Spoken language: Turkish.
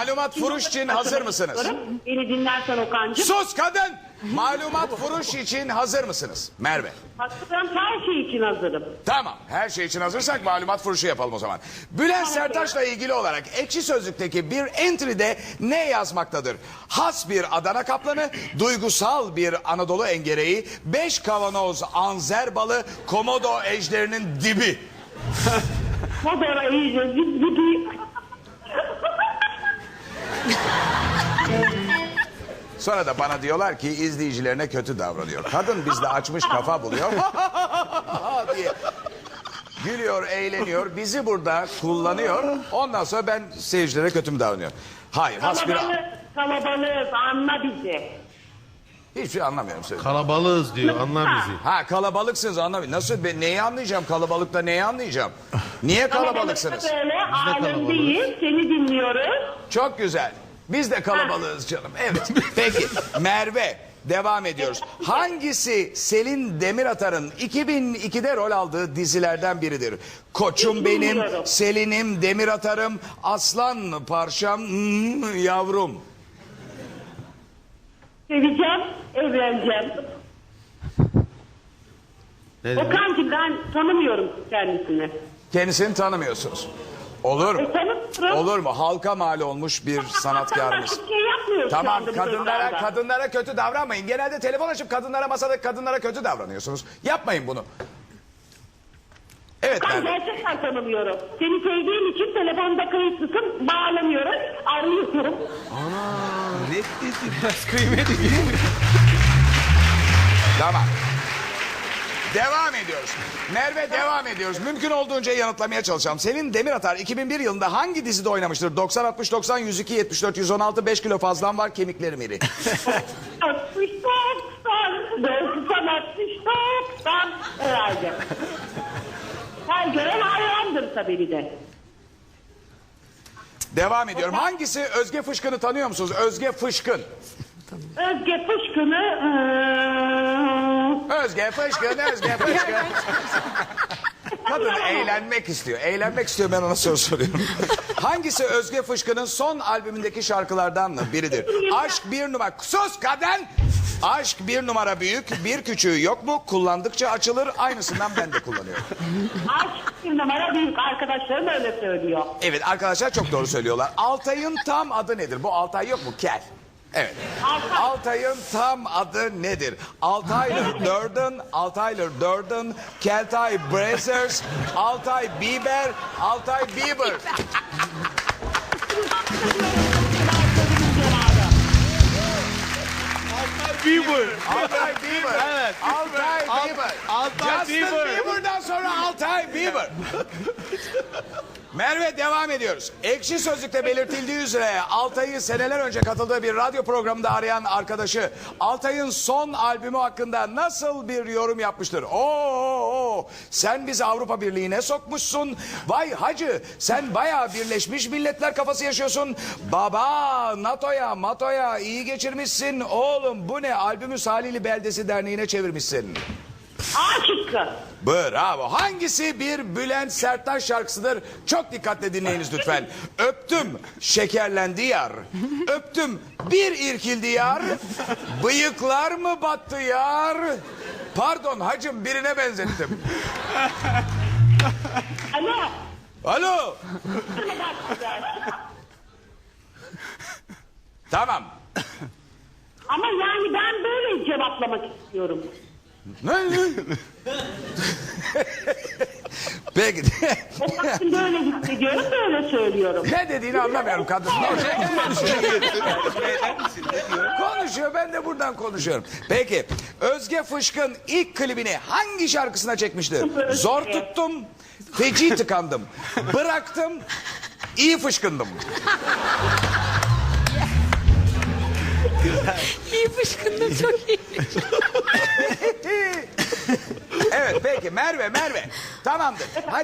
Malumat furuş için hazır mısınız? Beni dinlersen Okan'cığım. Sus kadın! Malumat furuş için hazır mısınız? Merve. Hazırım, her şey için hazırım. Tamam. Her şey için hazırsak malumat furuşu yapalım o zaman. Bülent Serttaş'la ilgili olarak Ekşi Sözlük'teki bir entry'de ne yazmaktadır? Has bir Adana kaplanı, duygusal bir Anadolu engereği, 5 kavanoz anzer balı, komodo ejderinin dibi. Modera iyice bir Sonra da bana diyorlar ki izleyicilerine kötü davranıyor. Kadın bizde açmış kafa buluyor diye gülüyor, eğleniyor. Bizi burada kullanıyor. Ondan sonra ben seyircilere kötü mü davranıyorum? Hayır. Kalabalığız, anla bizi. Hiçbir şey anlamıyorum söyle. Kalabalığız diyor, anla bizi. Ha, kalabalıksınız, anlamıyorum. Nasıl, ben neyi anlayacağım kalabalıkta, neyi anlayacağım? Niye kalabalıksınız? Kalabalıkta böyle alemdeyiz, seni dinliyoruz. Çok güzel. Biz de kalabalığız canım. Evet. Peki Merve, devam ediyoruz. Hangisi Selin Demiratar'ın 2002'de rol aldığı dizilerden biridir? Koçum Hiç benim, bilmiyorum. Selin'im, Demiratar'ım, aslan parçam, yavrum. Seveceğim, evleneceğim. Ne dedi? Okan'cığım ben tanımıyorum kendisini. Kendisini tanımıyorsunuz. Olur mu? Tanımıyorum. Olur mu? Halka mal olmuş bir sanatkarımız. Başka bir şey yapmıyoruz şu Tamam, anda bu programda. kadınlara kötü davranmayın. Genelde telefon açıp masadaki kadınlara kötü davranıyorsunuz. Yapmayın bunu. Evet Ben Merve. gerçekten tanımıyorum. Seni sevdiğim için telefonda kayıtlısın, bağlamıyorum, arıyorum. Tamam. Devam ediyoruz. Merve, devam ediyoruz. Mümkün olduğunca yanıtlamaya çalışacağım. Selin Demiratar 2001 yılında hangi dizide oynamıştır? 90-60-90, 102-74-116, 5 kilo fazlam var, kemiklerim iri. 60 90 herhalde. Her gören hayrandır tabii bir de. Devam ediyorum. Hangisi Özge Fışkın'ı tanıyor musunuz? Özge Fışkın. Özge Fışkın'ı... Özge Fışkın, Özge Fışkın. Kadın eğlenmek istiyor. Eğlenmek istiyor, ben ona soru soruyorum. Hangisi Özge Fışkın'ın son albümündeki şarkılardan biridir? Aşk bir numara... Sus kadın! Aşk bir numara büyük, bir küçüğü yok mu? Kullandıkça açılır, aynısından ben de kullanıyorum. Aşk bir numara büyük, arkadaşlarım öyle söylüyor. Evet, arkadaşlar çok doğru söylüyorlar. Altay'ın tam adı nedir? Bu Altay yok mu? Kel. Evet. Altay'ın tam adı nedir? Altaylı Durden, Altaylı Durden, Keltay Brazzers, Altay Bieber, Altay Bieber. Bieber. Altay Bieber. Evet. Altay Bieber. Altay Justin Bieber. Bieber'dan sonra Altay Bieber. Merve, devam ediyoruz. Ekşi Sözlük'te belirtildiği üzere Altay'ı seneler önce katıldığı bir radyo programında arayan arkadaşı Altay'ın son albümü hakkında nasıl bir yorum yapmıştır? Oo, sen bizi Avrupa Birliği'ne sokmuşsun. Vay hacı, sen bayağı Birleşmiş Milletler kafası yaşıyorsun. Baba, NATO'ya, MATO'ya iyi geçirmişsin. Oğlum bu ne? Albümü Salihli Beldesi Derneği'ne çevirmişsin. A şıkkı. Bravo. Hangisi bir Bülent Serttaş şarkısıdır? Çok dikkatle dinleyiniz lütfen. Öptüm, şekerlendi yar. Öptüm, bir irkildi yar. Bıyıklar mı battı yar? Pardon hacım, birine benzettim. Alo. Alo. Tamam. Ama yani ben böyle cevaplamak istiyorum. Ne? Peki. Okan'cığım böyle hissediyorum, böyle söylüyorum. Ne dediğini anlamıyorum kadın. Konuşuyor, ben de buradan konuşuyorum. Peki, Özge Fışkın ilk klibini hangi şarkısına çekmişti? Zor tuttum, feci tıkandım. Bıraktım, iyi fışkındım. İyi fışkındım, çok iyi. Evet, peki Merve. Tamamdır. Hadi.